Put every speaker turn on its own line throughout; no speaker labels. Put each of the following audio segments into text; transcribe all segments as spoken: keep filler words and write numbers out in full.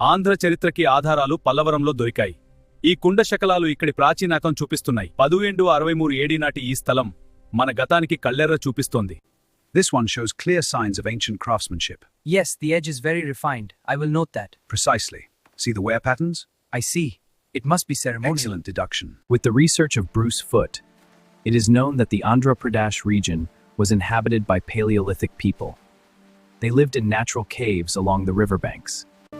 ఆంధ్ర చరిత్రకి ఆధారాలు పల్లవరంలో దొరికాయి. ఈ కుండ శకలాలు ఇక్కడి ప్రాచీనాకం చూపిస్తున్నాయి. పదువేండు అరవై మూడు ఏడీ నాటి ఈ స్థలం మన గతానికి కళ్ళెర్ర చూపిస్తోంది.
This one shows clear signs of ancient craftsmanship.
Yes, the edge is very refined. I will note that.
Precisely. See the wear patterns?
I see. It must be ceremonial.
Excellent deduction.
With the research of Bruce Foote, it is known that the Andhra Pradesh region was inhabited by Paleolithic people. They lived in natural caves along the riverbanks.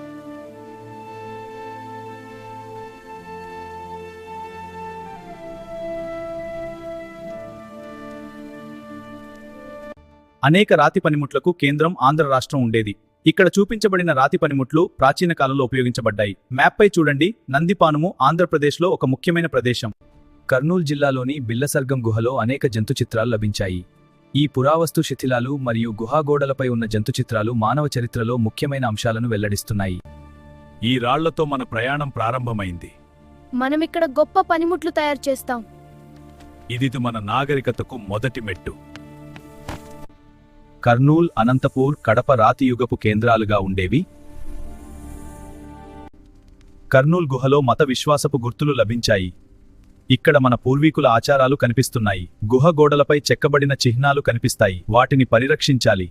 అనేక రాతి పనిముట్లకు కేంద్రం ఆంధ్ర రాష్ట్రం ఉండేది. ఇక్కడ చూపించబడిన రాతి పనిముట్లు ప్రాచీన కాలంలో ఉపయోగించబడ్డాయి. మ్యాప్పై చూడండి. నందిపానుము ఆంధ్రప్రదేశ్లో ఒక ముఖ్యమైన ప్రదేశం. కర్నూలు జిల్లాలోని బిల్లసర్గం గుహలో అనేక జంతు చిత్రాలు లభించాయి. ఈ పురావస్తు శిథిలాలు మరియు గుహాగోడలపై ఉన్న జంతు చిత్రాలు మానవ చరిత్రలో ముఖ్యమైన అంశాలను వెల్లడిస్తున్నాయి. ఈ రాళ్లతో మన ప్రయాణం ప్రారంభమైంది.
మనమిక్కడ గొప్ప పనిముట్లు తయారు చేస్తాం.
ఇది మన నాగరికతకు మొదటి మెట్టు. కర్నూల్, అనంతపూర్, కడప రాతియుగపు కేంద్రాలుగా ఉండేవి. కర్నూల్ గుహలో మత విశ్వాసపు గుర్తులు లభించాయి. ఇక్కడ మన పూర్వీకుల ఆచారాలు కనిపిస్తున్నాయి. గుహ గోడలపై చెక్కబడిన చిహ్నాలు కనిపిస్తాయి. వాటిని పరిరక్షించాలి.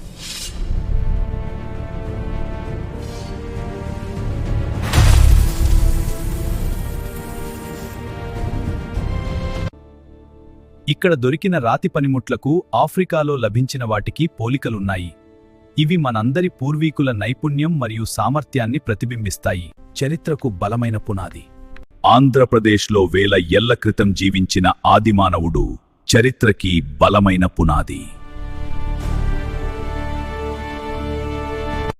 ఇక్కడ దొరికిన రాతి పనిముట్లకు ఆఫ్రికాలో లభించిన వాటికి పోలికలున్నాయి. ఇవి మనందరి పూర్వీకుల నైపుణ్యం మరియు సామర్థ్యాన్ని ప్రతిబింబిస్తాయి. చరిత్రకు బలమైన పునాది. ఆంధ్రప్రదేశ్లో వేల ఏళ్ల క్రితం జీవించిన ఆదిమానవుడు చరిత్రకి బలమైన పునాది.